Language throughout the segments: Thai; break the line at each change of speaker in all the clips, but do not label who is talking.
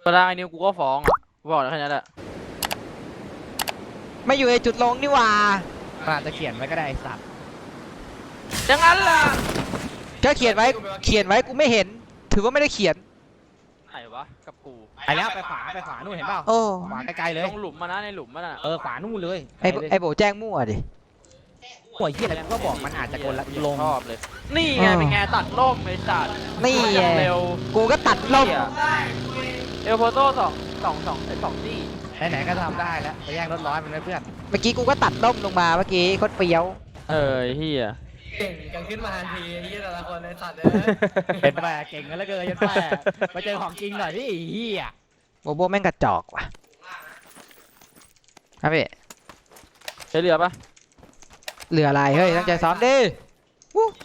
ตอนแรกไอ้นิวกูก็ฟ้องอ่ะกูบอกแล้วแค่นั้นแหละ
ไม่อยู่ในจุดลงนี่หว่า
อาจจะเขียนไว้ก็ได้ไอ้สัตว์
อย่างนั้นล่ะ
ก็เขียนไว้กูไม่เห็น ถือว่าไม่ได้เขียน
ไหนวะกับกู
ไปแล้วไปขวานู่นเห็นเปล่า
โอ้
ขวาไกลๆเลย
ลงหลุมมานะในหลุมมันอ่ะ
ขวานู่นเลย
ไอโบแจ้งมั่วดิ
หัวเหี้ยอะไรก็บอกมันอาจจะกดลง
ชอบเลยนี่ไงเป็นไงตัดล่มเลยจัด
นี่
อ
ไง
ย่างเร็ว
กูก็ตัดล่ม
เอลโฟโต้สองตี้
ไหนๆก็ทำได้แล้วไปแย่งรถร้อยมันไว้เพื่อน
เมื่อกี้กูก็ตัดล่มลงมาเมื่อกี้โคตรเปรี้ยว
เฮีย
เก่งกันขึ้นมาทันทีไอ้เหี้ยแต่ละคนในสัตว์เลย
เป็นแม่เก่งกันแล้วเกินยันแม่มาเจอของจริงหน่อยพี่เหี้ย
โบโบแม่งกระจอกว่ะครับพี่
ใช้เรือปะ
เหลืออะไรเฮ้ยตั้งใจซ้อมดิวู้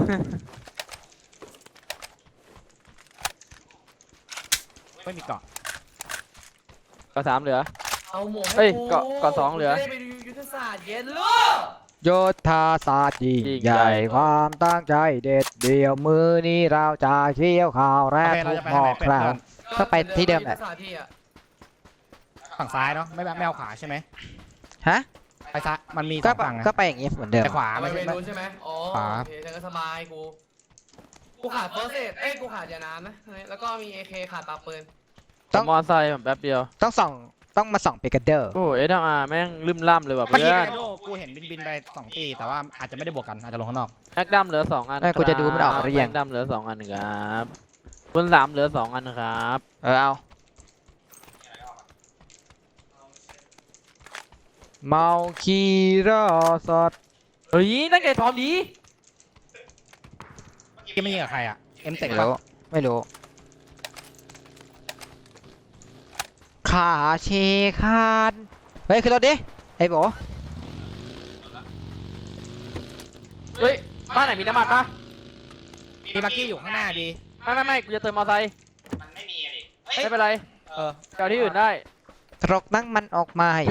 ไม่มีเกาะ
ก็3เหลือ
เอาหมวก
เฮ้
ให้
ย
กู
เกาะ2เหลือ
จะได้ไปดูยุทธศาสตร์เย็นลูก
โยธาศาสตร์ยิ่ง
ยิ่ง
ให
ใหญ่
ญ่ความตั้งใจเด็ดเดี่ยวมือนี้เราจะเคี่ยวข่าวแรก
โอเคเรา
ทุก
จะไป
หม
ทาง
อ
ไหน
กคราว ก็ไปที่เดิมแหละ
ยุทธศาสตร์ที่อะ
ฝั่งซ้ายเนาะไม่เอาขวาใช่ไหม
ฮะ
ไปซ้ายมันมีส
ก็
องฝั่งนะ
ก็ไปอย่างงี้เหมือนเดิม
แต่ขวา
เอาไป
ไม่ใช่
เมนูใช่ไหมอ๋อ
ขวา
โอเคฉันก็สบายกูขาดเฟิร์สเอดกูขาดยาน้ำนะแล้วก็มีเอเคขาดปากปืน
ต้อง
มอไซค์แบบแป๊บเดียว
ต้องมาส่องเปกาเดอร์
โอ้เอสอาร์แม่งลืมล่ำเลยว่ะ
เมื่อ
เพื่
กี้
อน
ไอโดกูเห็นบินไป2 ตีแต่ว่าอาจจะไม่ได้บวกกันอาจจะลงข้างนอก
แม็กดัมเหลือ2 อัน
กูจะดูมันออกหรือยัง
แม็กดัมเหลือ2 อันครับคุณ3เหลือ2 อันครับ
เอาเมาคีรอสด
เฮ้ยนั่นไงพร้อมดี
ที่ไม่ยิงกับใครอ่ะเอ็มเต็
ไม่
ปะ
รู้ไม่รู้ขาเชคานเฮ้ยขึ้นรถดิไอ้โบ
เฮ้ยบ้านไหนมีน้ำมันปะ
มีบักกี้อยู่ข้างหน้าดี
ไม่กูจะเติมมอไซค์
มันไม่มีดิ
ไม่เป็นไร
เออ
เจ้าที่อื่นได้
ตรกนั่งมันออกมาให้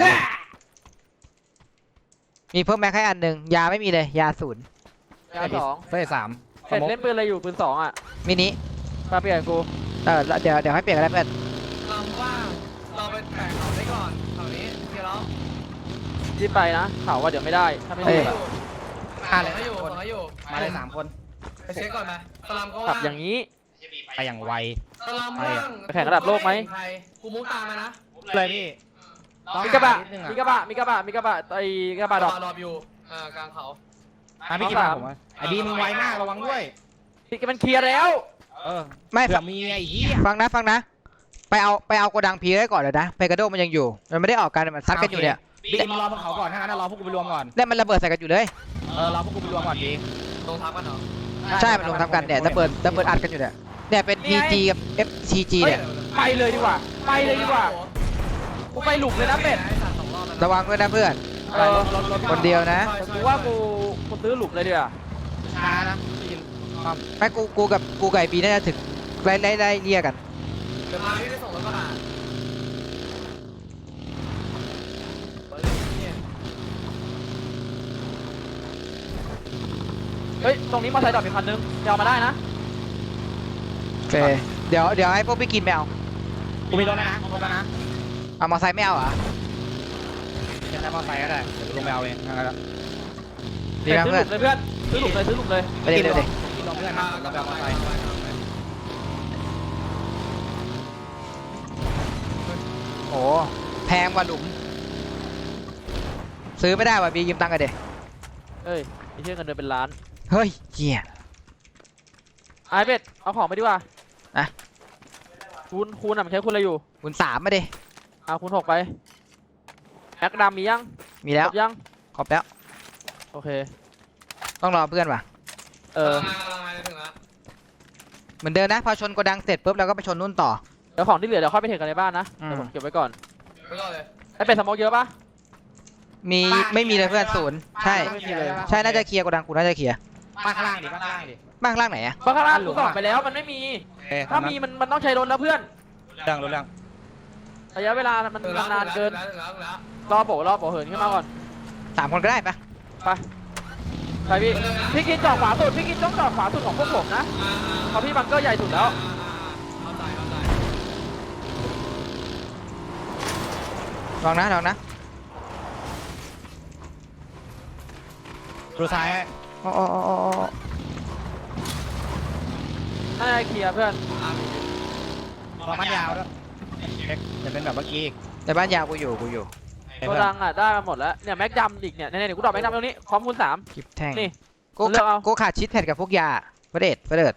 มีเพิ่มแม็กให้อันหนึ่งยาไม่มีเลยยาศูนย์
ยา2
เฟ้ย3
เสร็จเล่นปืนอะไรอยู่ปืน2อ่ะ
มินิ
มาเปลี่ยนกู
แล้วเดี๋ยวให้เปลี่ยนกันได้เพื่อน
ลำว่างเราไปแตกเขาไว้ก่อนแถวนี้เดี๋ยวเรา
รีบไปนะข่าวว่าเดี๋ยวไม่ได้ถ้าไม่
เฮ้
รี
ย
บอะ
มาเลย
ให้อยู่
คน
ให้อยู่
มาเลย3 คน
ไปเช็คก่อนไหมสลามก็
ขั
ว่า
บอย่างนี้
ไปอย่างไว
สลามว่าง
ไปแข่งระดับโลกไหม
กูมุกตามมานะ
เลยพี่ต้อง
มีกระบะ
หานิดนึง
มีกระบะไอ้กระบะดอก
รออยู่กลางเขา
พี่กินมาผมว่าไอ้ดีมึงไวมากระวังด้วย
พี่มันเคลียร์แล้ว
ไม่
เผื่อมีไอ้เหี้ย
ฟังนะไปเอาโกดังพีไว้ก่อนเลยนะเปกาโดมันยังอยู่มันไม่ได้ออกกันมันซัดกันอยู่เนี่ย
ดีมึงรอบนเขาก่อนถ้างั้นรอพวกกูไปรวมก่อน
เนี่ยมันระเบิดใส่กันอยู่เลย
รอพวกกูไปรวมก่อนดี
ลงทับกันเหรอ
ใช่มันลงทำกันเนี่ยระเบิดอัดกันอยู่เนี่ยเนี่ยเป็น PG กับ FCG เนี่ย
ไปเลยดีกว่ากูไปหลุมเลยนะเป็ด
ระวังด้วยนะเพื่อน คนเดียวนะ
กูว่ากูซื้อหลุมเลยดีกว่า
ช้านะยินความ
ไม่กูกับไอ้บีน่าจะถึงไล่เรียกกัน
เดี๋ยวมาพี่ได้ส่งรถกระบะ
เฮ้ยตรงนี้มอเตอร์ไซค์จอดเป็นคันนึงจะเอามาได้นะ
โอเคเดี๋ยวให้พวกพี่กินไม่เอา
กูมีรถแล้วนะครบแล้วนะ
เอามอไซค์ไม่เอาเหรอ
จะได้มอไซค์ก็ได้เดี๋ยวกูลงไปเอาเองงั้นแล้ว
ดีนะเพื่อน
ซื้อหลุมเลย
ไปเดี๋ยว
กินลงเพื่อนนะเราไปเอามอไซค์
โอ้แพงกว่าหลุม ซื้อไม่ได้ว่ะบียืมตังค์กันเด็
เฮ้ยไอ้เชี่ยเงินเดือนเป็นล้าน
เฮ้ยเหี้ย
ไอ้เป็ดเอาของไปดีกว่า
อะ
คูณอ่ะมันใช้คูณอะไรอยู่
คุณ3มาดิ
เอาคูณ6ไปแม็กดำมียัง
มีแล้ว
ครบยัง
ครบแล้ว
โอเค
ต้องรอเพื่อนว่ะ
มาถึงแล้ว
เหมือนเดิมนะพอชนโกดังเสร็จปุ๊บเราก็ไปชนนู่นต่อ
เดี๋ยวของที่เหลือเดี๋ยวค่อยไปเทกันในบ้านนะ
อืม
เดี๋ยวผมเก็บไว้ก่อน
ไปก่อนเลย
ไอ้เป็ดสโมกเยอะปะ
มีไม่มีเลยเพื่อนศูนย์ใช่
ไม่มีเลย
ใช่น่าจะเคลียร์โกดังกูน่าจะเคลียร์
บ้านข้างล่างดิบ้านข้างล่างดิ
บ้างล่างไหนอะ
เพราะข้างล่างกูส่องไปแล้วมันไม่มี ถ้ามีมันต้องใช้รถแล้วเพื่อน
เรื่องรู้เรื่อง
ระยะเวลามันนานเกิน
แล้ว
รอโบเหินขึ้นมาก่อน
3 คนก็ได้ปะ
ไปพี่กินจอดขวาสุดพี่กินต้องจอดขวาสุดของพวกผมนะเพราะพี่บังเกอร์ใหญ่สุดแล้ว
เอาใจ
ลองนะลองนะ
ดูซ้ายให้
โอ้โอ้โอ้โอ้โอ้
น่าจะเคลียร์เพื่อน
รอมันยาวด้วยเช็คจะเป็นแบบเมื่อกี้อีก
ในบ้านยาวกูอยู่
โกดังอ่ะได้มาหมดแล้วเนี่ยแม็กดำอีกเนี่ยเนี่ยกูดรอปแม็กดำตรงนี้พร้อมคูณ3
กิบแท่ง
นี่
กู
เลือกเอา
กูขาดชิดแพดกับพวกยาเพื่อเด็ด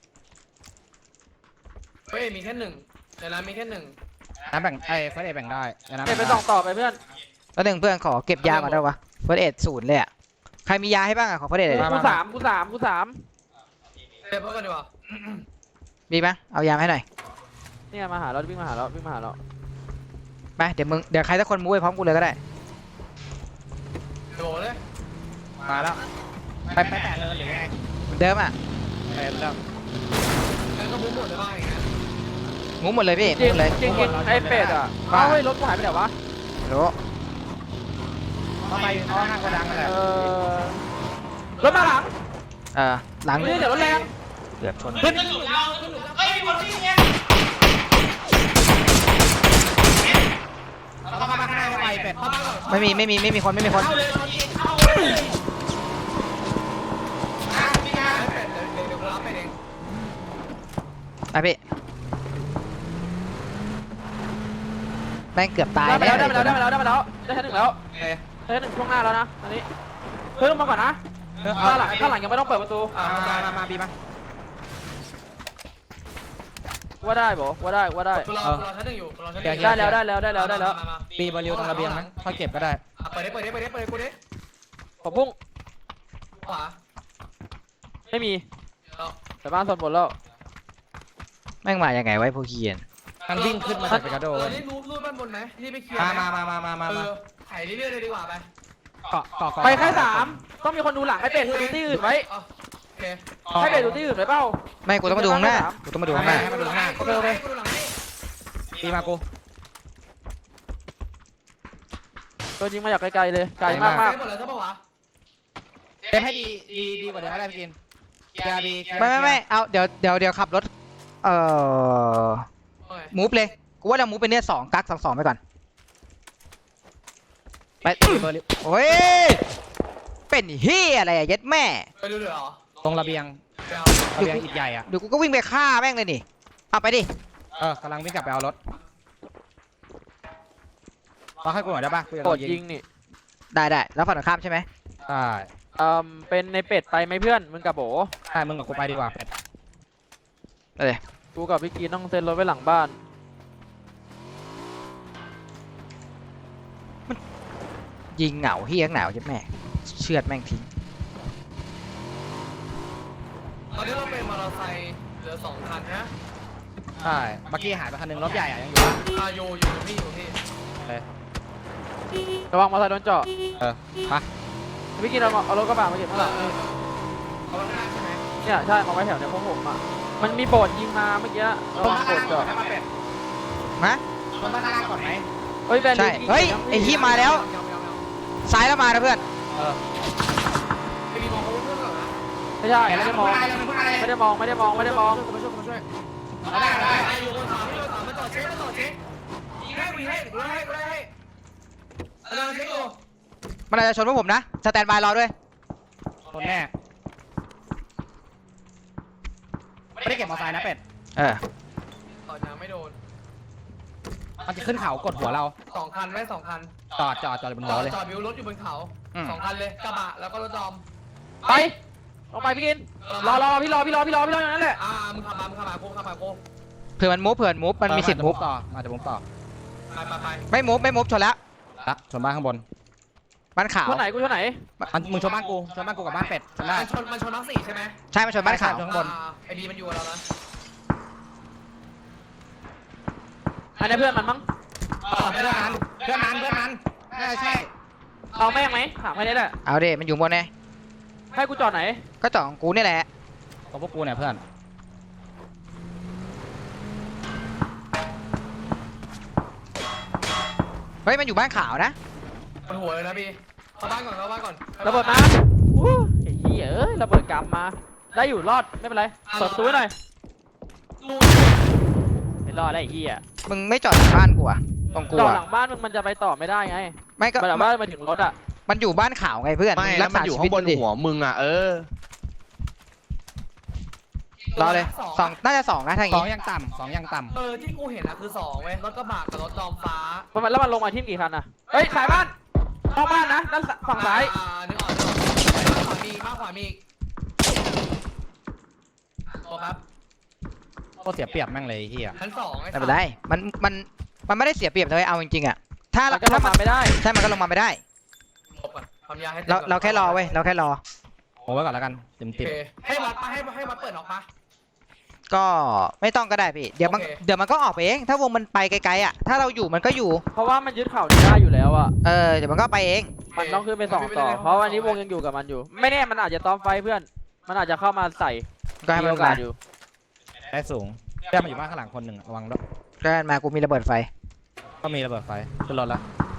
เฮ้ยมีแค่1ในร้านมีแค่1
น้ำแบ่งไอ้เฟสเอแบ่งได้น้ำ
เนี่ยไปส่องต่อไปเพื่อน
แล้วหนึ่งเพื่อนขอเก็บยาก่อนได้ปะเพื่อเด็ดศูนย์เลยอ่ะใครมียาให้บ้างอ่ะขอเพื่อเด็ดเลย
กูสาม
เดี๋ยวเพิ่มกันดีกว่า
มีไหมเอายามาให้หน่อย
เนี่ยมาหาเราวิ่งมาหาเรา
ไปเดี๋ยวใครสักคนมู้ไปพร้อมกูเลยก็ได้
โดดเลย
มาแล้วไปแปะเลยหรือไง
เหมือนเดิมอ่ะ
ไปแล้ว
แล้วก็มุ้งหมดเลยบ้างอย่างเงี้ย
มู้หมดเลยพี่
จริ
มู้
ง
หมดเลย
จริงไอ้เป็ดอ่ะเอ้าเฮ้ยรถกูหายไปไหนวะ
รู้
เข้าไปเข้าห้างกระดังนั่นแหละ
รถมาหลัง
หลัง
นี่เดี๋ยวรถแรง
เกือบชน
ขึ้นหลุมเราเฮ้ยมีคนที่เนี่ย
เราต้องเข้ามาข้างในไปเป็ด
เข้ามาก่อน
ไม่มีคน
เข้าเลยเข้าเลยพี่งานเป็ดเดี๋ยวกูรับไปเอง
ไปพี่แม่งเกือบตาย
ได้ไปแล้ว
แน่
ได้ชั้น 1แล้วได้ชั้น 1ช่วงหน้าแล้วนะอันนี้เฮ้ยลงมาก่อนนะข้างหลังยังไม่ต้องเปิดประตู
มาบีมา
ว่าได้บ่ว่าได้
กูรอชั้น1อยู่รอชั้น1
ได้แล้ว
บีบอลลิวตรงระเบียงนะค่อยเก็บก็ได้
เปิดดิกูดิ
ผมพุ่ง
ขวา
ไม่มีแต่บ้านส่วนบนแล้ว
แม่งมายังไงไว้พวกเคียน
มันวิ่งขึ้นมาจากเปกาโด
นี่รูดบ้านบนไหมที่ไปเคลียร์
มา
ถ่ายเรื่อยๆเลยดีกว่าไป
เกาะ
ไปแค่3ต้องมีคนดูหลังให้เป็ดดูที่อื่นไว้
โอเค
ให้เป็ดดูที่อื่นไว้เปล่า
ไม่กูต้องมาดูข้างหน้ากูต้องมาดูข้างหน้า
ให้มาดูข้างหน้า
กูดูหลังให้กูดูหลังให้
บีมากู
ตัวยิงมาจากไกลๆเลยไกลมาก
หมดแล้วใช่ปะวะ
เก็บให้ดีกว่าเดิมก็ได้พี่กินบี
ไม่เอาเดี๋ยวขับรถมูฟเลยกูว่าเรามูฟไปเนี่ย2 กัก 2ไปก่อนไป
เบอร์ลิว
โอ้ยเป็นเฮียอะไรอะเย็ดแม่
ไปดูเลยเหรอ
ตรงระเบียง
เดี๋ยว
ระเบียงอีกใหญ่อ่ะ
เดี๋ยวกูก็วิ่งไปฆ่าแม่งเลยนี่เอาไปดิ
กำลังวิ่งกลับไปเอารถเราให้กูหน่อยได้ป่ะกูจะ
ก
โด
ด
นยิ
ยิ
ง
งนี่
ได้แล้วฝั่งตรงข้ามใช่ไหม
ใช่
เป็นในเป็ดไปไหมเพื่อนมึงกับโบ
ใช่มึงกับกูไปดีกว่าเป็ด
กูกับพี่กีต้องเซ็นรถไว้หลังบ้าน
ยิงเหงาเฮียเหงาเย็ดแม่เชือดแม่งทิ้ง
ตอนนี้เราเป็นมอเตอร์ไซค์เหลือ2 คันนะ
ใช่เมื่อกี้หายไปคันนึงรถใหญ่อะยังอยู่
อยู่พี่
ระวังมอเตอร์ไซค์โดนเจาะ
มา
พี่กีเอารถกระบะมาเก็บข้างหลัง
เขาหน้าใช่ไหม
เนี่ยใช่มาไว้แถวเนี่ยพวกผมอ่ะมันมีโบดยิงมาเมื่อกี้ระวังโบดเจาะ
ฮะ
ลงมาข้างล่างก่อนไหม
เฮ้ยแบน
ใช่เฮ้ยไอ้ที่มาแล้วซ้ายแล้วมานะเพื่อน
ไอ้มีมองเขาเพื่อนเหรอนะ
ไม่ใช่ไม่ได้มอง
ไม่ได้
ไม่ได้มอง
มาช่วย
ได้อยู่บนเขามาต่อเช็คยิงให้กูได้ให้อาจารย์เช็คดู
มันอาจจะชนพวกผมนะสแตนบายรอด้วย
คนแน่ไม่ได้เก็บมอเตอร์ไซค์นะเป็ด
ต่อยังไม่โดน
มันจะขึ้นเขากดหัวเรา
2 คันไหม2 คัน
จอดบนหัวเลย
จอดวิวรถอยู่บนเขา 2 คันเลยกระบะแล้วก็รถดอม
ไปลงไปพี่กินรอพี่รออย่างนั้นแหละ
มึงขับมากู
เผื่อมันมูฟมันมีสิทธิ์มูฟ
ต่อมาจะมุฟต่อ
ไป
ไม่มูฟชนแล้ว
ละชนบ้านข้างบน
บ้านขาว
คนไหนกูคนไหน
มึงชนบ้านกูกับบ้านเป็ดชนได้
มันชนทั้ง4ใช่ไหม
ใช่มันชนบ้านขาว
ข้างบน
ไอ้ดีมันอยู่กับเรานะ
อันนี้เพื่อนมันมั้ง
เพื่อนนั้นใช่
เอาแม่งไหมถามแค่นี้แหละ
เอาดิมันอยู่บนไง
ให้กูจอดไหน
ก็จ่องกูนี่แหละ
ของพวกกูเนี่ยเพื่อน
เฮ้ยมันอยู่บ้านขาวนะ
มันหัวเลยนะพี่เข้าบ้านก่อน
ระเบิดมาไอ้เหี้ยระเบิดกลับมาได้อยู่รอดไม่เป็นไรเปิดประตูหน่อยไม่รอดได้ไอ้เหี้ย
มึงไม่จอดหลังบ้านกูอ่ะ
ไ
ต้องกลั
จ
ว
อดหลังบ้านมึงมันจะไปต่อไม่ได้ไง
ไม่ก็
มันหลังบ้านมาถึงรถอ่ะ
มันอยู่บ้านขาวไงเพื่อน
ไม่แล้วมันอยู่ข้างบนหัวมึงอ่ะ
รอเลยสองน่าจะ2นะทาง
สอ
นี้
งยังต่ำสองยังต่
ที่กูเห็นอะคือ2เว้ยรถกระบะกับรถดอมฟ้า
แล้วมันลงมาที่กี่คันอ่ะเฮ้ยสายบ้านนอกบ้านนะด้านฝั่งซ้าย
นึกออกขวามีมากขวามีตัวครับ
ำก็เสียเปรียบแม่งเลยไอ้เฮีย
ชั้น2ไอ้
ไม่เป็นไรมันไม่ได้เสียเปรียบเลยเอาจริงๆอ่ะถ้า
มันก็ลงมาไม่ได้
ใช่มันก็ลงมาไม่ได้
หลบก่อนความยาให้
เราแค่รอเว้ยเราแค่รอ
โอ้ไว้ก่อนแล้วกันเต็ม
โอเคให้วัดปะให้วัดเปิดออกปะ
ก็ไม่ต้องก็ได้พี่เดี๋ยวมัน
โอเค
เดี๋ยวมันก็ออกไปเองถ้าวงมันไปไกลๆอ่ะถ้าเราอยู่มันก็อยู่
เพราะว่ามันยึดเข่าได้อยู่แล้วอ่ะ
เดี๋ยวมันก็ไปเอง
มันต้องขึ้นไป2ต่อเพราะวันนี้วงยังอยู่กับมันอยู่ ไม่แน่มันอาจจะต้อมไฟเพื่อนมันอาจจะเข้ามาใส่
ก็ให้
มี
มัน
โอกา
มา
สอยู่
ได้สูงเพื่อนมาอยู่บ้านข้างหลังคนหนึ่งระวังด้วย
ก็ให้มันมากูมีระเบิดไฟ
ก็มีระเบิดไฟขึ้นรถแล้ว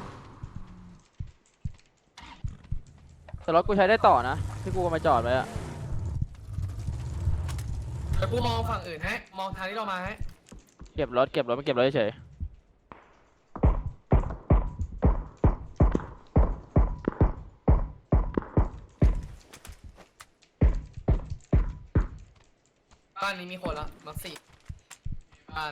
แต่รถกูใช้ได้ต่อนะที่กูเอามาจอดไว้อะ
เดี๋ยวกูมองฝั่งอื่นให้มองทางที่เรามาให้
เก็บรถไม่เก็บรถเฉย
บ้านนี้มีคนละมา4บ้าน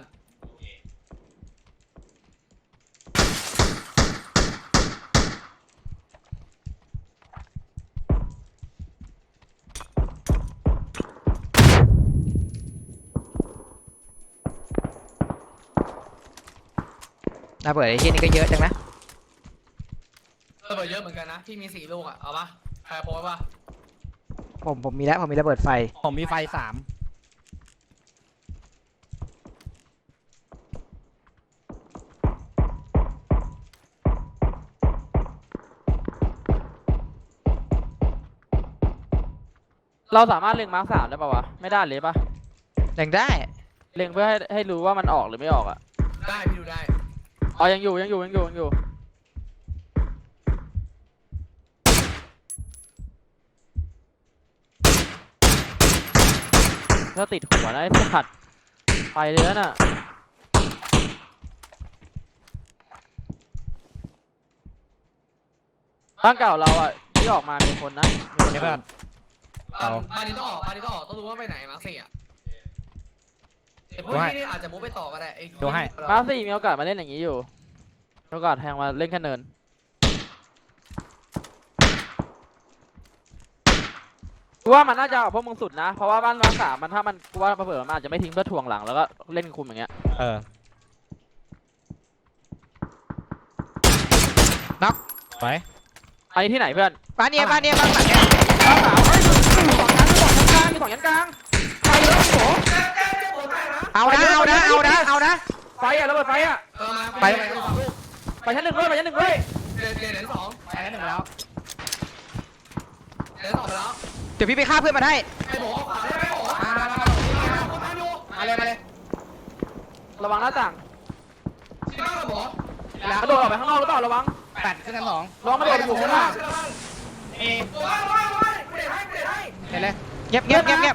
ระเบิดไอ้ที่นี่ก็เยอะจังนะ
ระเบิดเยอะเหมือนกันนะพี่มี4ลูกอะเอาปะใครโพสปะ
ผมมีแล้วผมมีระเบิดไฟ
ผมมีไฟ3
เราสามารถเล็งมาร์ค3ได้ป่าวะไม่ได้เลยป่ะ
ยังได้
เล็งเพื่อให้รู้ว่ามันออกหรือไม่ออกอ่ะ
ได้พี่ดูได้
อ๋อยังอยู่ถ้าติดหัวนะไอ้สัตว์ไปเลยน่ะบ้านเก่าเราอ่ะที่ออกมามีคนนะมีคน
เดี๋ยวก่อน
บ้านนี้ต้องออกบ้านนี้ต้องออกต้องรู้ว่าไปไหนมา4อะเดี๋ยวพวกนี้นี่อาจจะมุดไปต่อก็ได้
มาร์ค4มีโอกาสมาเล่นอย่างนี้อยู่มีโอกาสแทงมาเล่นแค่เนินกูว่ามันน่าจะเอาพวกมึงสุดนะเพราะว่าบ้านมาร์ค3มันถ้ามันกูว่าเผื่อมันอาจจะไม่ทิ้งเพื่อถ่วงหลังแล้วก็เล่นคุมอย่างเงี้ย
ไป
ไอ้ที่ไหนเพื่อน
บ้านเนี้ยบ้านหลังเนี้ย
บ้านสาวเฮ้ยมีสองยันกลางไปเลยโห
เอานะ
ไฟอะระเบิดไฟอะ
ไป
ไปชั้น 1ด้วยไปชั้น 1ด้วย
เหรียญ2
ไปแล้วหนึ่งแล้ว
เหรียญ2ไปแล้ว
เดี๋ยวพี่ไปฆ่าเพื่อนมาได้
ไอ้โบขวาได้ไหมโบมาเลย
ระวังหน้าต่าง
ที่บ้านกับโบ
กระโดดออกไปข้างนอกหรือเปล่าระวัง
8ขึ้นชั้น2
ระวังกระโดดอยู่ข้างหน้า
ว้ายกูเด็ดให้
เห็นเลย
เงียบ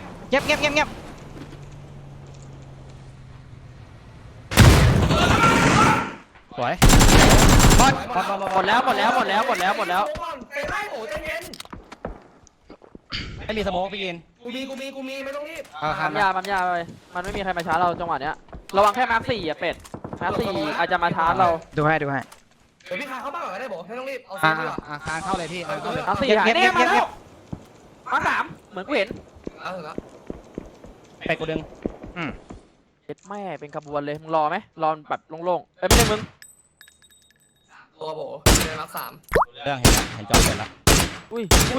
สวย
หมดแล้ว
เตะให้โบใจเย็น
ไม่มีสโมกพี่กิน
กูมีไม่ต้องรีบ
ปั๊มยาไปมันไม่มีใครมาชาร์จเราจังหวะเนี้ยระวังแค่มาร์ค4อะเป็ดมาร์ค4อาจจะมาชาร์จเรา
ดูให้
เดี๋ยวพี่พาเข้าบ้านก่อนได้โบไม่ต้องรีบเอาเซฟดีกว่า
คานเข้าเลยพี่คานเข้าเลย
มาร์ค4หายเนี่ยมาแล้วมาร์ค3เหมือนกูเห็น
เอาเถอะ
ไปกูดึง
เจ็ดแม่เป็นขบวนเลยมึงรอไหมรอแบบโล่งๆไม่ใช่มึง
ตัวโบเดินมา3
เรื่องเห็นจอเสร็จแล้ว
อุ้ย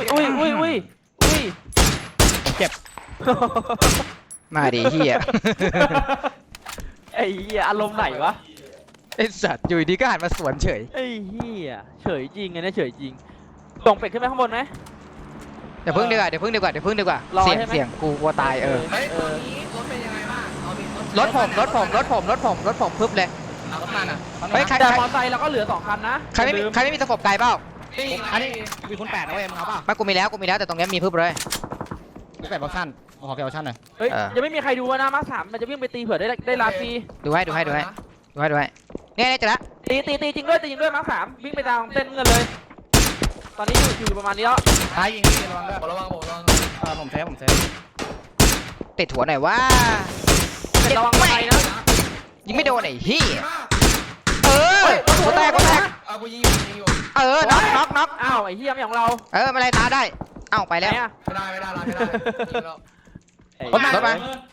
ผมเจ็บ
มาดิเฮีย
ไอ้เหี้ยอารมณ์ไหนวะ
ไอสัตว์อยู่ดีก็หันมาสวนเฉย
ไอ้เหี้ยเฉยจริงไงเนี่ยเฉยจริงส่งเป็ดขึ้นไปข้างบนไหม
เดี๋ยวพึ่งดีกว่า
รอ
เสียง
ใช่ไหม
เสียงกูกลัวตาย
เฮ้ยตอนนี้รถเป็นยังไงบ้างเอาดิ
รถผมพึบเลย
เอารถมันอ่ะ
เฮ้ยใคร
แต่มอเตอร์ไซค์เราก็เหลือ2คันนะ
ใครไม่มีตะขบไกลเปล่า
อันนี้มีคุณ8นะเว้ยมึงเอาป่ะ
ไม่กูมีแล้วแต่ตรงนี้มีพึบเลย
คุณ8ออปชั่นขอแกออปชั่นหน่อย
เฮ้ยยังไม่มีใครดูนะมาร์ค3มันจะวิ่งไปตีเผื่อได้ลาฟรี
ดูให้เนี่ยเจอละ
ตีจริงด้วยมาร์ค3วิ่งไปตามเส้นเงินเลย ตอนนี้อยู่ประมาณนี้แล้ว
ท้ายยิงพี่ระวังด้วย
ระวังระวัง
ผมเซฟ
ติดหัวหน่อยว่า
ระวังไปนะ
ยิงไม่โดนไอ้เหี้ยเออหัวแตก
เอากูยิงอยู่
เออน็อก
อ้าวไอ้เหี้ยไม่ของเรา
เออไม่ไรตาได้เอ้าไปแล้ว
ไหนอะ
ไม่ได้ยิงแล้ว
รถมา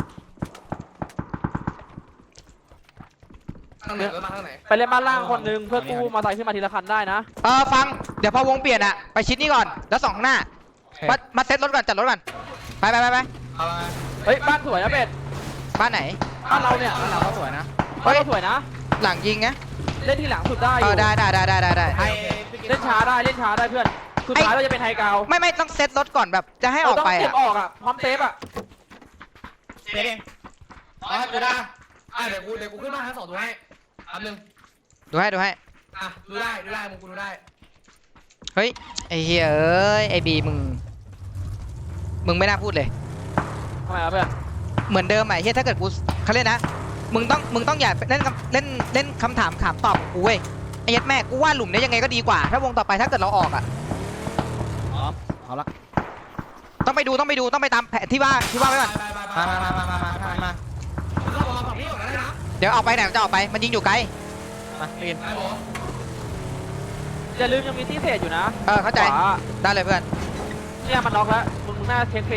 ทางไหนรถมาทางไหน
ไปเล่นบ้านล่างคนนึงเพื่อกู้มาใส่ขึ้นมาทีละคันได้นะ
ฟังเดี๋ยวพอวงเปลี่ยนอะไปชิดนี่ก่อนแล้ว2ข้างหน้ามาเซ็ตรถก่อนจัดรถก่อนไป
เอาไป
เฮ้ยบ้านสวยนะเป็ด
บ้านไหน
บ้านเราเนี่ย
เราก็สวยนะ
บ้านเราสวยนะ
หลังยิงไง
เล่นที่หลังสุดได้อ
เอยู่ อได้
ไอ้
เล่นช้าได้เพื่อนสุดท้ายเราจะเป็นไฮกราว
ไม่ต้องเซ็ตรถก่อนแบบจะให้ออกไป
ต้องเก็
อะ
บออกอะพร้อมเซฟอะ
เซฟเอง
อ๋อดูได้เดี๋ยวกูขึ้นมาทั้ง2ตัวให้อันนึง
ดูให้
ดูได้มึงกูดูได้
เฮ้ยไอ้เหี้ยเอ้ยไอ้บีมึงไม่น่าพูดเลย
ทำไมวะเพื่อน
เหมือนเดิมไอ้เหี้ยถ้าเกิดกูเขาเล่นนะมึงต้องอย่าเล่นคำถามถามตอบกูเว้ยไอ้ยัดแม่กูว่าหลุมนี้ยังไงก็ดีกว่าถ้าวงต่อไปถ้าเกิดเราออกอะ
เอาละ
ต้องไปตามแผนที่ว่าไว้ก่อน
มา
เราบอกฝั่งนี้ก่อนได้นะ
เดี๋ยวออกไปไหนมันจะออกไปมันยิงอยู่ไกล
มาปีน
ไอ้หมอ
อย่าลืมยังมีที่เศษอยู่นะ
เข้าใจ
ขวา
ได้เลยเพื่อน
เนี่ยมันน็อกแล้วมึงน่าเช็คฟรี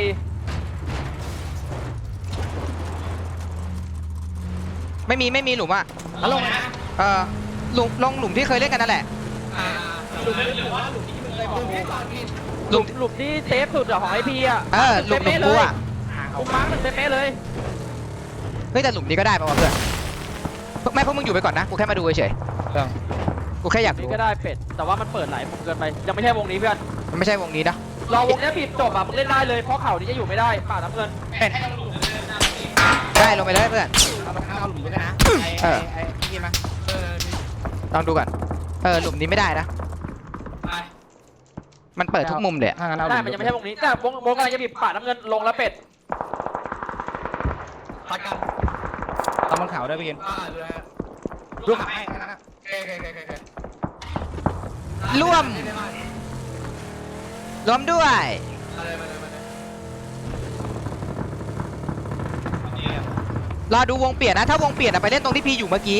ไม่มีหลุมอะ
แล้วลงนะ
หลุมลงหลุมที่เคยเล่นกันนั่นแหละ
หลุมที่ก่อนกิน
หลุม
หลุมที่เซฟสุดอะของไอพีอะ
หลุมกูอะ
กูมาร์คหนึ่งเป๊ะเลย
เฮ้ยแต่หลุมนี้ก็ได้ป่าวะเพื่อนไม่พวกมึงอยู่ไปก่อนนะกูแค่มาดูเฉยๆกูแค่อยาก
นี่
รู้
ก็ได้เป็ดแต่ว่ามันเปิดหลายมุมเกินไปยังไม่ใช่วงนี้เพื่อน
มันไม่ใช่วงนี้นะ
รอวงนี้บีบจบอะมึงเล่นได้เลยเพราะเข่านี้จะอยู่ไม่ได้ป่าน้ำเงิน
ได้ลงไปเลยเพื่อน
เอาหลุมด้วยนะไอ้กินมา
ลองดูก่อนหลุมนี้ไม่ได้นะ
ไป
มันเปิดทุกมุมเลย
ถ้างั้นเอาห
ได้
ลุม
มันยังไม่ใช่วงนี้แต่วงกำลังจะบีบป่าน้ำเงินลงแล้วเป็ด
พัดกัน
ต้องบนเขาด้วยพี่กิน
ดูได้
ดูขาให้นะ
โอเค
ร่วมด้วย
มาเลย
รอดูวงเปลี่ยนนะถ้าวงเปลี่ยนไปเล่นตรงที่พี่อยู่เมื่อกี้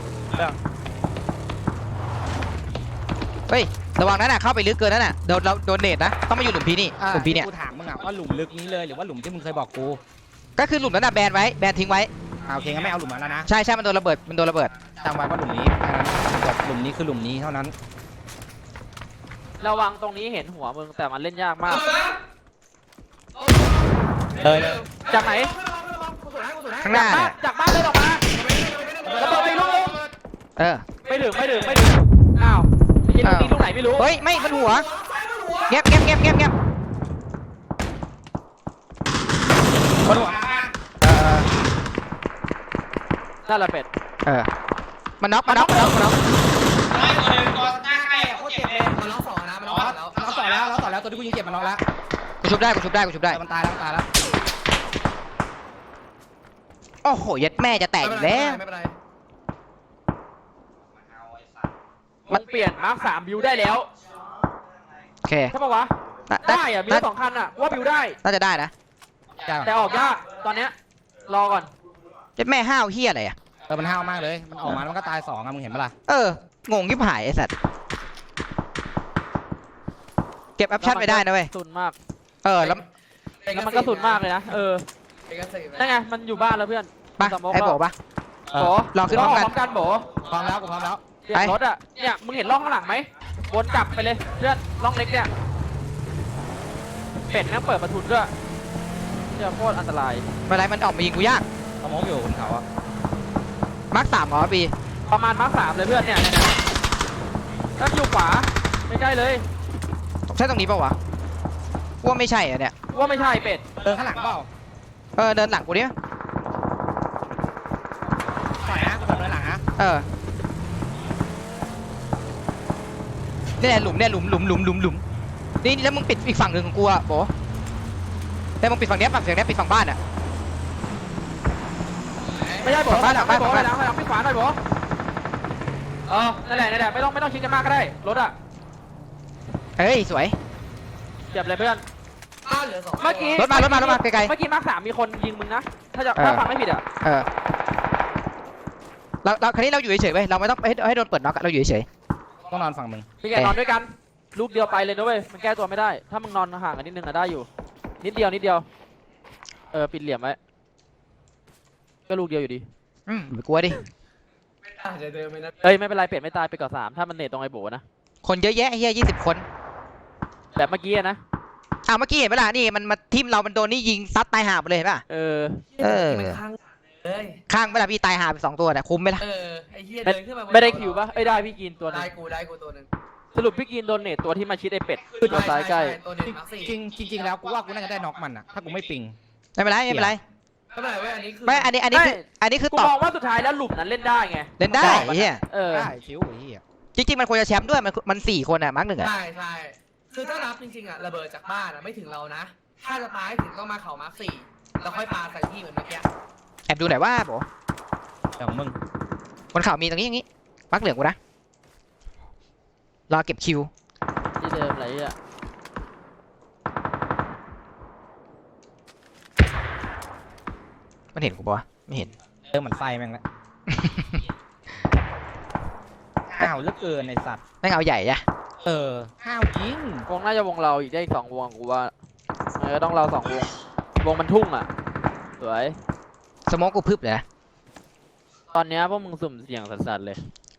เฮ้ยระวังนั้นน่ะเข้าไปลึกเกินนั่นน่ะโดนเนตนะต้องมาอยู่หลุมพี่นี่หลุมพี่เนี่ย
กูถามมึงอ่ะว่าหลุมลึกนี้เลยหรือว่าหลุมที่มึงเคยบอกกู
ก็คือหลุมนั้นน่ะแบนไว้แบนทิ้งไว้
โอเคงั้นไม่เอาหลุมนั้นแล้วนะ
ใช่มันโดนระเบิด
จำไว้ว่าหลุมนี้หลุมนี้คือหลุมนี้เท่านั้น
ระวังตรงนี้เห็นหัวมึงแต่มันเล่นยากมาก
เลย
จากไหน
ข้างหน้าเนี่ย
จากบ้านเลยออกมาระเบิดไปลูกนึง ไม่ถึงอ้าวยิงตีลูกไหนไม่รู้
เฮ้ยไม่มันหัวเงียบ
บนหัว
นั่นแหละเป็ด
มันน็อก
มันล็อก2นะมันล็อกแล้ว
เราต่อแล้วตัวที่กูยิงเก็บมันล็อกแล้ว
กูชุบได้
มันตายแล้ว
โอ้โหยัดแม่จะแตกอีกแล้ว
ไม่เป็นไร
มันเปลี่ยนมาร์ค3บิวได้แล้ว
โอเค
ใช่ปะวะได้อะมี2คันอะว่าบิวได้
น่าจะได้นะ
แต่ออกยากตอนเนี้ยรอก่อน
ยัดแม่ห้าวเฮียอะไรอ่ะ
มันห้าวมากเลยมันออกมามันก็ตาย2อ่ะมึงเห็นปะล่ะ
งงยิบหายไอ้สัตว์เก็บแอปชั่นไม่ได้นะเว้ย
สุนมาก
แล้ว
แล้วมันก็สุนมากเลยนะนั่นไงมันอยู่บ้านแล้วเพื่อน
ปะไอ้โบปะ
โบ
รอขึ้นพร้อมกัน
พร้อมกันโบ
พร้อมแล้วกูพร้อมแล้ว
เปลี่ยนรถอะเนี่ยมึงเห็นร่องข้างหลังไหมวนกลับไปเลยเพื่อนร่องเล็กเนี่ยเป็ดแม่งเปิดประทุนด้วยเนี่ยโคตรอันตราย
เมื่อไรมันออกมายิงกูยาก
เขามองอยู่บนเขาอ่ะ
มาร์ค3เหรอบี
ประมาณมาร์ค3เลยเพื่อนเนี่ยถ้าอยู่ขวาไม่ใช่เลย
ใช่ตรงนี้ปะวะว่าไม่ใช่อ่ะเนี่ย
ว่าไม่ใช่เป็ด
ข้างหลังเปล่า
เดินหลังกูดิ
ถอยนะกูเดินหลังนะ
นี่แหละหลุมนี่แล้วมึงปิดอีกฝั่งหนึ่งของกูอ่ะโบแต่มึงปิดฝั่งเนี้ยปิดฝั่งบ้านอ่ะ
ไม่ใช่โบ
ฝั่งบ้าน
ไม่โบ
ฝั่งบ้าน
หลังไม่ขวาหน่อยโบนั่นแหละไม่ต้องชิดกันมากก็ได้รถอ่ะ
เฮ้ยสวย
เจ็บเลยเพื่อน
บ้านเหลือ2
เมื่อกี้
รถมาไกล
เมื่อกี้มาร์ค3มีคนยิงมึงนะถ้า
เออ
ฟังไม่ผิดอ่ะ
ๆเราคราวนี้เราอยู่เฉยๆเว้ยเราไม่ต้องให้โดนเปิดน็อกอะเราอยู่เฉย
ต้องนอนฝั่งมึง
พี่แกนอนด้วยกันลูกเดียวไปเลยนะเว้ยมันแก้ตัวไม่ได้ถ้ามึงนอนห่างกันนิดนึงอะได้อยู่นิดเดียวปิดเหลี่ยมไว้ก็ลูกเดียวอยู่ดี
ไม่กลัวดิ
อาจจะเดินไปนะ
เอ้ยไม่เป็นไรเป็ดไม่ตายไปก่อน3ถ้ามันเนตตรงไอ้โบนะ
คนเยอะแยะเฮีย20 คน
แบบเมื่อกี้อะนะ
เมื่อกี้เห็นไหมล่ะนี่มันมาทิมเรามันโดนนี่ยิงซัดตายห่าไปเลยเห็นป่ะ
เออ
มันค้างเลย
ข้างเวลาพี่ตายห่าไป2 ตัวแต่คุ้มไหมล่ะ
ไอ้เหี้ยเดินขึ้นมา
ไม่ได้คิวปะเอ้ยได้พี่กินตัวหนึง
ได้กูตัวนึง
สรุปพี่กินโดนเนตตัวที่มาชิดไอ้เป็ดตัวซ้ายใกล้
ตัวเน็ตมา4
จริงแล้วกูว่ากูน่าจะได้น็อกมันอะถ้ากูไม่ปิง
ไม่เป็นไร
ไม่เป็นไรเว้ยอันนี้คือ
ไม่อันนี้คือ
กู
ตอบ
มองว่าสุดท้ายแล้วหลุมนั้นเล่นได้ไง
เล่นได้เฮีย
เออ
ได้ชิวไอ้เหี้ย
จริงๆมันควรจะแชมป์ด้วยมัน4 คนอะมาร์ค 1อะ
ใช่คือถ้านับจริงๆระเบิดจากบ้านไม่ถึงเรานะถ้าจะปาให้ถึงต้องมาเขามาร์ค4แล้วค่อยปาใส่ที่เหมือนเมื่อกี้
แอบดูหน่อยว่าโบ
อย่างมึง
บนเขามีตรงนี้อย่างนี้มาร์คเหลืองกูนะรอเก็บคิว
ที่เดิมอะไรอ่ะ
มันเห็นกูปะวะไม่เห็น
เหมือนไฟแม่งละห้าวเหลือเกินไอสัตว์
ไม่งเอาใหญ่อะ
ห้าวจริง
วงน่าจะวงเราอีกได้อีก2 วงกูว่าต้องเรา2 วงมันทุ่งอ่ะสวย
สโมองกูพึบเลยนะ
ตอนเนี้ยพวกมึงสุ่มเสี่ยงสัสๆเลย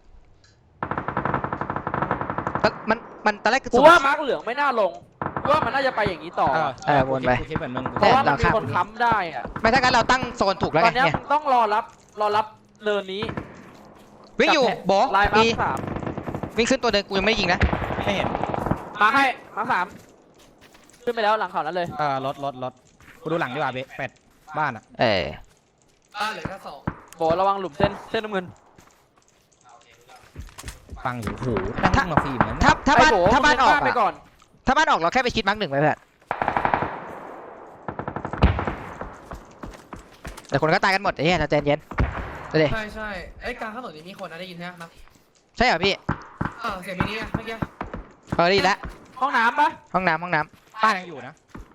มันตอนแรก
กูว่ามาร์กเหลืองไม่น่าลงกูว่ามันน่าจะไปอย่างนี้ต่อ
วนไป
กูคิดเหมือนมึง
เพราะว่ามันมีคนค้ำได้อ่ะ
ไม่ถ้างั้นเราตั้งโซนถูกแล้ว
ต
ไง
อนเนี้ย
เนี่ย
มึงต้องรอรับเนินนี้
วิ่งอยู่โบ
ลายมา
มี
ร์ค3
วิ่งขึ้นตัวเดินกูยังไม่ได้ยิงนะ
ไม่เห็น
มาร์คให้มาร์ค3ขึ้นไปแล้วหลังเขานั้นเลย
รถกูดูหลังดีกว่าเป็ดบ้านอะ
บ้านเหลือแค่2
โบระวังหลุมเส้นน้ำเงิน
ฟังอยู่โหตั้งมาฟิล์มนั้น
ถ้าบ้าน
ไโ
ถ้าบ้านออก
ไปก่อ
อะ
น
ถ้าบ้านออกเราแค่ไปชิดมาร์ค 1ไว้เพื่อนแต่คนก็ตายกันหมดไอ้เหี้ยเราใจเย็นดูดิ
ใช่ไอ้กลางถนนนี้มีคนนะได้ยินใช่ไหม
ใช่เหรอพี่
เสียงมินิเมื่อกี้
ได้ยินแล้ว
ห้องน้ำปะ
ห้องน้ำ
บ้านยังอยู่นะ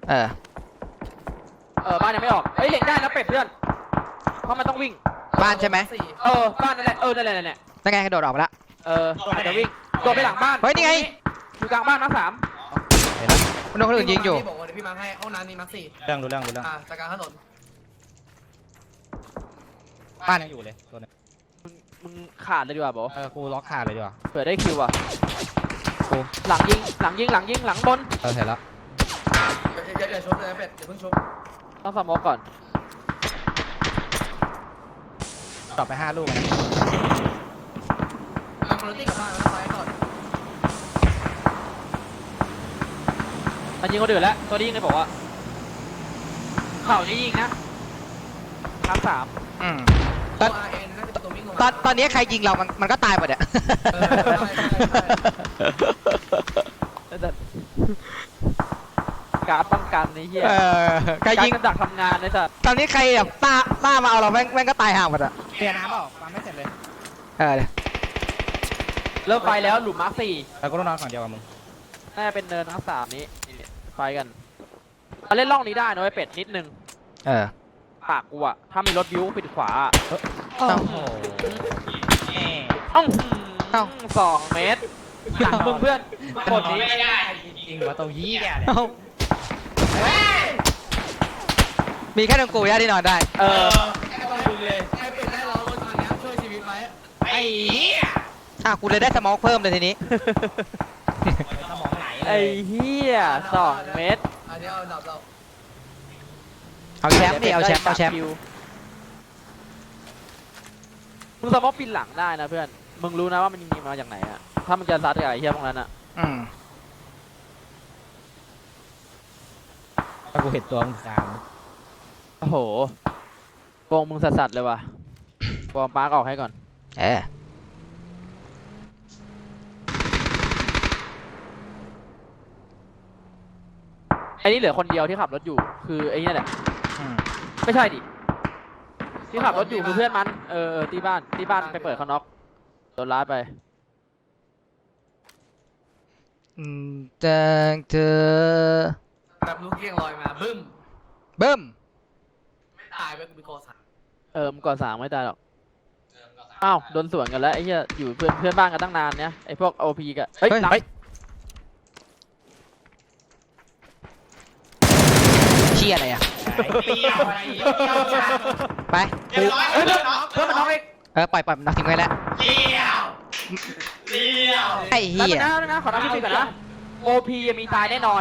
บ้านยังไม่ออกเฮ้ยเห็นได้นะเป็ดเพื่อนเพราะมันต้องวิ่ง
บ้านใช่ไหม
บ้านนั่นแหละนั่นแหละ
นั่นไงกระโดดออกมาละ
อาจจะวิ่งโดดไปหลังบ้าน
เฮ้ยนี่ไง
อยู่กลางบ้านมาร์ค
มันโดนคนอื่นยิงอยู่
บอกว่าเดี๋ยวพี่มาให้ห้องน้ำนี่มาร์ค4
เรื่อง
จากกลางถนน
บ้านยังอยู่เลยตัวนึง
3มึงขาดเลยดีกว่าโบ
กูล็อกขาดเลยดีกว่า
เผื่อได้คิวอ่ะหลังยิงหลังบน
เห็นแล้ว
อย่าชกเลยนะเป็ดอย่าเพิ่งชก
ต้องสมองก่อน
ต่อไป5 ลูกนะ
เอาคุณตี้กลับบ้านแล้วไปก่อน
มันยิงคนอื่นแล้วตัวนี้ยิงเลยบอกว่าเข่านี้ยิงนะมาร์ค3
ตัว RN น่าจะตัววิ่งลงมา
ตอนนี้ใครยิงเรามันก็ตายหมดอะ
การป้องกันในเหี้ย
ใครยิง
การดักทำงานในสัตว์
ตอนนี้ใครแบบต้ามาเอาเราแม่งก็ตายห่าหมดอะ
เปลี่ยนน้ำเปล่าฟังไม่เสร็จเลย
เริ่มไปแล้วหลุมมาร์ค
แล้วก็ต้องนอนฝั่งเดียวกับมึง
4น่าจะเป็นเนินมาร์ค3นี้ไฟกันมาเล่นร่องนี้ได้นะไอ้เป็ดนิดนึงปากกูอะถ้ามีรถบิ้วปิดขวา
โอ้โห
2 เมตรหลังมึงเพื่อนคนนี้
จริงว่าตัวเหี้ย
มีแค่ตรงกูย่าที่นอนได้
ไอ้ต้องดูเลยไอ้เป็ดได้ร้องรถคันนี้ช่วยชีวิตไว้
ไอ้เหี้ย
กูเลยได้สโมองเพิ่มเลยทีนี้
สมองไหล
ไอ้เหี้ย2 เมตร
อันนี้เอาดับเรา
เอาแชมป์ดิเอาแชมป์
มึงสมมติปีนหลังได้นะเพื่อนมึงรู้นะว่ามันยิงมาจากไหนอะถ้ามันจะซัดกับไอ้เหี้ยพวกนั้นอะ
ถ้ากูเห็นตัวมึงคาม
โอ้โหวงมึงสัสๆเลยว่ะวอร์มปาร์กออกให้ก่อนไอ้นี่เหลือคนเดียวที่ขับรถอยู่คือไอ้นี่แหละไม่ใช่ดิที่ขับรถอยู่คือเพื่อนมันตีบ้านไปเปิดเขาน็อกโดนล้าไป
จากเธอ
แบบลูกเกี้ยงลอยมาบึ้ม
เบิ้ม
ไม่ตายไปกูไปโกสัน
มึงก่อน3ไม่ตายหรอกอ้าวโดนสวนกันแล้วไอ้เหี้ยอยู่เพื่อนบ้านกันตั้งนานเนี่ยไอ้พวก OP กันเฮ้ยหลัง
เชี่ยอะไรอ่ะ
เปรี้ยวอะไรเปรี้ยวจัง
ไป
เรียบร้อยเพื่อนน้อง
เพื่อนมันน้องเอง
ปล่อยมันทิ้งไว้แล้ว
เลี้ยวเลี้ยว
ไอ้
แป๊บ
เหี้
นึ
ย
งนะขอนับพี่ก่อนนะ OP ยังมีตายแน่นอน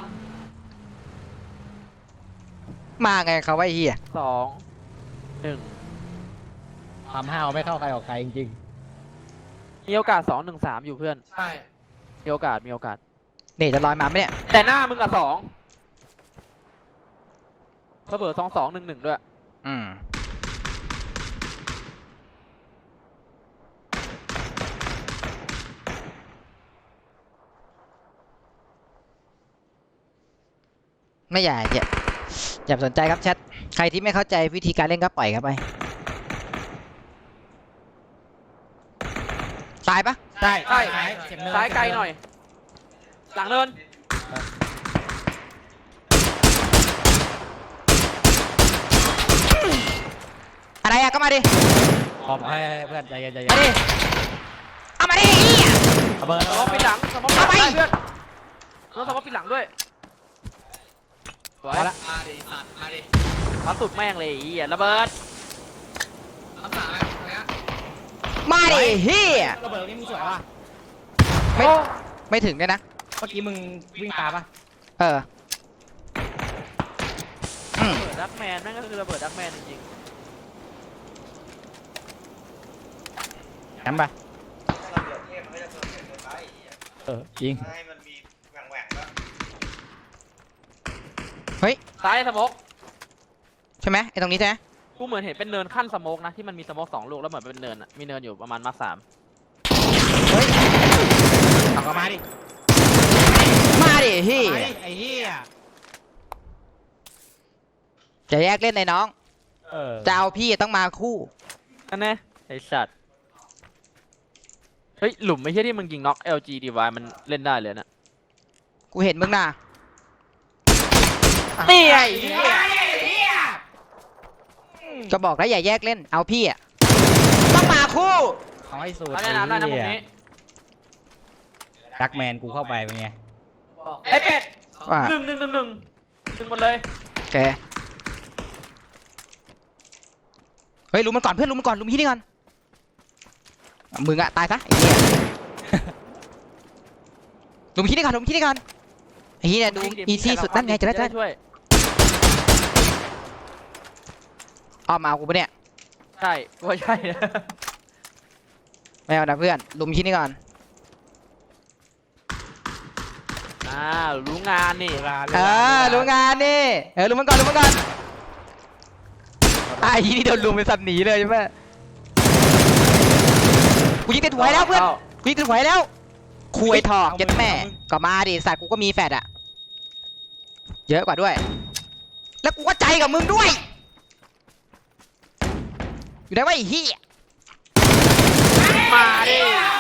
มาไงเขาว่าไอ้เหี้ย
2 1
ทำห้าวไม่เข้าใครออกใครจริง
มีโอกาส 2 1 3 อยู่เพื่อน
ใช่
มีโอกาส
นี่จะลอยมาไหมเนี่ย
แต่หน้ามึงกับ2เบอร์2 2 1 1ด้วย
อืมไม่อย่าสนใจครับแชทใครที่ไม่เข้าใจวิธีการเล่นก็ปล่อยครับไปตายปะ
ๆใช่
ใช่
เจ็บเนิน
ซ้ายไกลหน่อย หลังเนิน
อะไรอะก็มาดิ
ขอบให้เพื่อนใจเย็นใจเย็
มาน ดิเอามาดิไอ้เหี้ย
เอาเบอร์
สมองปิดหลังสมองปิดหลัง
เอาไป
ได้เพื่อนต้องสมองปิดหลังด้วยสวย
เอาละ
มาดิสัตว์มาดิ
พัดสุดแม่งเลยไอ้เหี้ยระเบิด
คำสั่งอะไรตรงเนี้ย
มาดิเฮีย
ระเบิดนี่มึงสวยป่ะ
ไม่ถึงเลยนะ
เมื่อกี้มึงวิ่งตามป่ะ
เอออืม
ระเบิดดักแมนแม่งก็คือระเบิดดักแมนจริง
งั้นไปจริง
ๆซ้ายสมอง
ใช่ไหมไอ้ตรงนี้ใช่ไหม
กูเหมือนเห็นเป็นเนินขั้นสโมกนะที่มันมีสโมก2 ลูกแล้วเหมือนเป็นเนินอะมีเนินอยู่ประมาณมาร์ค
เอาก็มาดิ
มาดิเฮีย
มาดิไอ้เหี้ย
จะแยกเล่นในน้อง
เออ
จะเอาพี่ต้องมาคู่
3นั่นแน่ไอสัตว์เฮ้ยหลุมไม่ใช่ที่มึงยิงน็อก LG DY มันเล่นได้เลยนะ
กูเห็นมึงน่ะ
นี่ไง
ก็บอกแล้วอย่าแยกเล่นเอาพี่อะต้องมาคู่
เอาให้สุด
เอาแนะนำได้นะมุมนี้
ดักแมนกูเข้าไปเป็นไง
ไอเป็ด
ว่า
1 1 1 1ดึงหมดเลย
โอเคเฮ้ยลุมมันก่อนเพื่อนลุมมันก่อนลุมพี่นี่ก่อนมึงอะตายซะไอ้เหี้ยลุมพี่นี่ก่อนลุมพี่นี่ก่อนไอ้เหี้ยดูอีซี่สุดนั่นไงจะได้
ช่วย
อ้อมมาเอากูปะเนี่ย
ใช่ว่าใช่
ไม่เอานะเพื่อนลุมพี่นี่ก่อน
รู้งานนี่
รู้งานนี่ลุมมันก่อนลุมมันก่อนไอ้ยี่นี่โดนลุมเป็นสัตว์หนีเลยใช่ไหมกูยิงติดหัวแล้วเพื่อนกูยิงติดหัวแล้วคุยถอกเจ็ดแม่ก็มาดิสัตว์กูก็มีแฟดอะเยอะกว่าด้วย แล้วกูก็ใจกับมึงด้วยอยู่ได้ว่าไอ้เหี้ย
มาดิ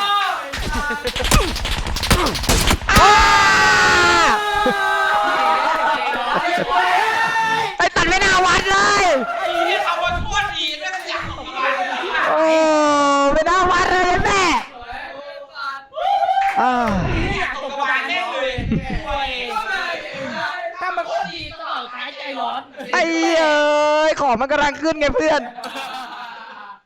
ไอ้ตัดไม่น่าวัดเลย
ไอ้ที่คำว่าท้วนอีกไม่ต้องอยากอีกมา
โอ้ไม่น่าวัดเลยแม่อ่า
ตกกระบาลแน่เลย
ถ้ามันก็ดีก็เอาท้ายใจร้อน
ไอ้เอ้ยของมันกำลังขึ้นไงเพื่อน
เ